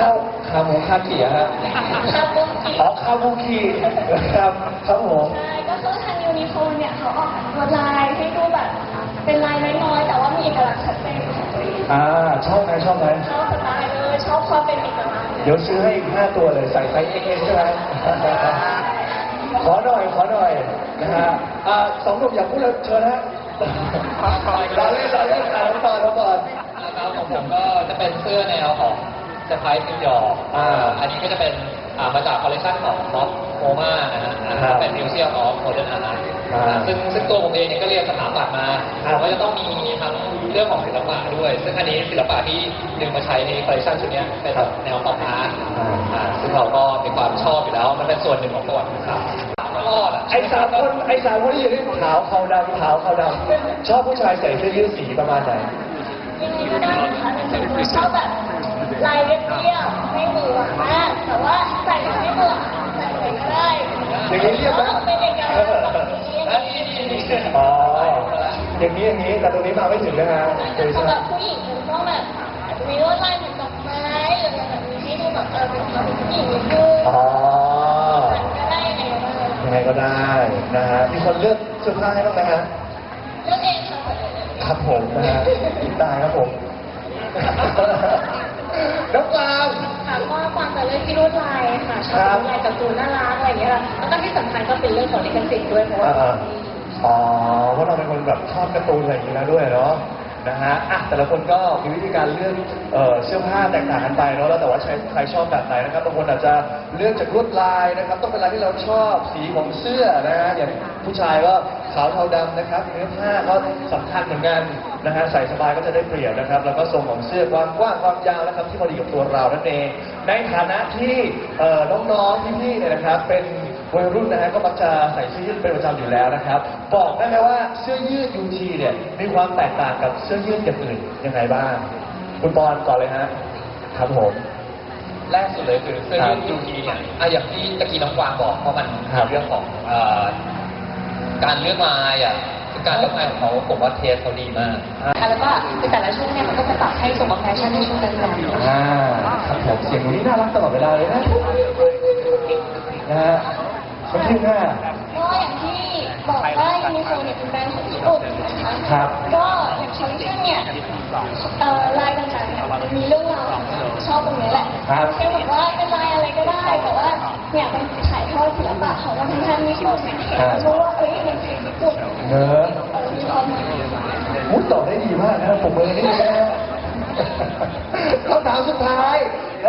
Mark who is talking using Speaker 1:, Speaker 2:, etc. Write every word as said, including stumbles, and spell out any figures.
Speaker 1: ข้าวขาหมูคาเกียฮะ
Speaker 2: คาบุกิ
Speaker 1: อ๋อคาบุกิครับครับผม
Speaker 2: ใช่ก็คือทางยูนิโคลเนี่ยเขาออกแบบลายให้ดูแบบเป็นลายน้อยๆแต่ว่ามีเอกลักษณ์ชัดเจนของตัวเอง
Speaker 1: อ่าชอบไหมชอบไหม
Speaker 2: ชอบสไตล์เลยชอบความเป็นเอกลักษณ์
Speaker 1: เดี๋ยวซื้อให้อีกห้าตัวเลยใส่ไซส์เอ็กซ์เอ็กซ์ใช่ไหมขอหน่อยขอหน่อยนะฮะอ่าสองหนุ่มอยากพูดแล้วเชิญฮะเราเล่นเราเล่นอ่านน้ำตาลน้ำตาล
Speaker 3: นะครับของผมก็จะเป็นเสื้อแนวของเซอร์ไพรส์นิวยอร์ก
Speaker 1: อ่า
Speaker 3: อันนี้ก็จะเป็นอ่ามาจากคอลเลคชันของม็อบโมมานะฮะอ่า
Speaker 1: ครับ
Speaker 3: เป็นมิวเซียมออฟโมเดิร์นอาร์ต
Speaker 1: อ่า
Speaker 3: ซึ่งซึ่งตัวผมเองเนี่ยก็เรียนสถาปัตย์มา
Speaker 1: ครับ
Speaker 3: ก็จะต้องมีทั้งเรื่องของศิลปะด้วย ซึ่งอันนี้ศิลปะที่ดึงมาใช้ในคอลเลคชันชุดเนี้ยเป็นแนวป๊อปอาร์ต
Speaker 1: อ่า
Speaker 3: อ่าซึ่งเราก็มีความชอบอยู่แล้ว มันเป็นส่วนหนึ่งของประวัติศาสตร์ตลอดอะ
Speaker 1: ไอ้สามคนไอ้สามคนที่อยู่ที่ขาวขาวดำขาวขาวดำชอบผู้ชายใส่เสื้อยืดสีประมาณไหน
Speaker 2: ยังไงก็ได้ค่ะแต่ส่วนตัวชอบแบบลายเรียบๆไม่หวือหวามากแต่ว่าใส่ไม่เบื่อใส่อะไรก็ได้
Speaker 1: อย่างนี้เรียบไหม
Speaker 2: เป็นเอกลักษณ์แบบนี้
Speaker 3: อันนี้นี่นี่
Speaker 1: อ๋ออย่างนี้อย่างนี้แต่ตรงนี้มาไม่ถึงนะฮะเคย
Speaker 2: สำ
Speaker 1: ใช่
Speaker 2: ห
Speaker 1: ไหม
Speaker 2: รับผู้หญิงมันต้องแบบอาจจะมีลวดลายเหมือนดอกไม้หรืออะไรแบบนี้ให้ดูแบบเออเป็นความเป็นผู้หญิงนิดนึง
Speaker 1: อ๋อ
Speaker 2: มันก็ได้ยังไงก็ได้
Speaker 1: ยังไงก็ได้นะฮะมีคนเลือกเสื้อผ้าให้บ้างไหมฮะ
Speaker 2: เลือกเองค่ะ
Speaker 1: ครับผมนะฮะตายครับผมน้องกวาง
Speaker 2: ค่ะก็ความจะเลือกที่ลวดลายค่ะช
Speaker 1: ครั
Speaker 2: อบบ ลายการ์ตูนน่ารักอะไรอย่างเงี้ยค่ะแล้วก็ที่สำคัญก็เป็นเรื่องของลิขสิทธิ์ด้วยเพราะว่า
Speaker 1: อ่าๆอ๋อเพราะเราเป็นคนแบบชอบการ์ตูนอะไรอย่างนี้แล้วด้วยเนาะนะฮะอ่ะแต่ละคนก็มีวิธีการเลือกเอ่อเสื้อผ้าแตกต่างกันไปเนาะแล้วแต่ว่าใช้ใครชอบแบบไหนนะครับบางคนอาจจะเลือกจากลวดลายนะครับต้องเป็นลายที่เราชอบสีของเสื้อนะฮะอย่างผู้ชายก็ขาวเทาดำนะครับเนื้อผ้าก็สำคัญเหมือนกันนะฮะใส่สบายก็จะได้เปรียบนะครับแล้วก็ทรงของเสื้อความกว้างความยาวนะครับที่พอดีกับตัวเรานั่นเองในฐานะที่เอ่อน้องๆพี่ๆเนี่ยนะครับเป็นวัยรุ่นนะฮะก็มักจะใส่เสื้อยืดเป็นประจำอยู่แล้วนะครับบอกได้ไหมว่าเสื้อยืดยูทีเนี่ยมีความแตกต่างกับเสื้อยืดอย่างอื่นยังไงบ้างคุณบอลก่อนเลยฮะครับผม
Speaker 3: แรกสุดเลยคือเสื้อยืดยูทีเนี่ยอ่ะอย่างที่ตะกี้น้องกวางบอกเพราะมัน
Speaker 1: ครับ
Speaker 3: เรื่องของเอ่อการเลือกลายอ่ะคือการเลือกลายของเขาผมว่าเทสเขาดีมาก
Speaker 2: ค่ะแล้วก็ในแต่ละช่วงเนี่ยมันก็จะปรับให้สมกับแฟชั่นในช่วงนั้นๆ
Speaker 1: อ่าครับผมเสียงหนูนี่น่ารักตลอดเวลาเลยนะนะฮะไม่ใช่หน้า
Speaker 2: ก็อย่างที่บอกว่ายูนิโคลเนี่ยเป็นแบรนด์ของญี่ปุ่นนะคะ
Speaker 1: ครับ
Speaker 2: ก็อย่างคอลเลคชันเนี่ยเอ่อลายต่างๆเนี่ยมันมีเรื่องราวชอบตรงนี้แหละ
Speaker 1: ครับ
Speaker 2: แค่บอกว่าเป็นลายอะไรก็ได้แต่ว่าเนี่ยมันถ่ายทอดศิลปะของวัฒนธรรมญี่ปุ่นเนี่ยเห็นแล้วรู้ว่าเอ้ยมันคือญี่ปุ่น
Speaker 1: เนอะ
Speaker 2: เออมีความหมาย
Speaker 1: มุดตอบได้ดีมากนะครับผมมือนี่นะฮะคำถามสุดท้าย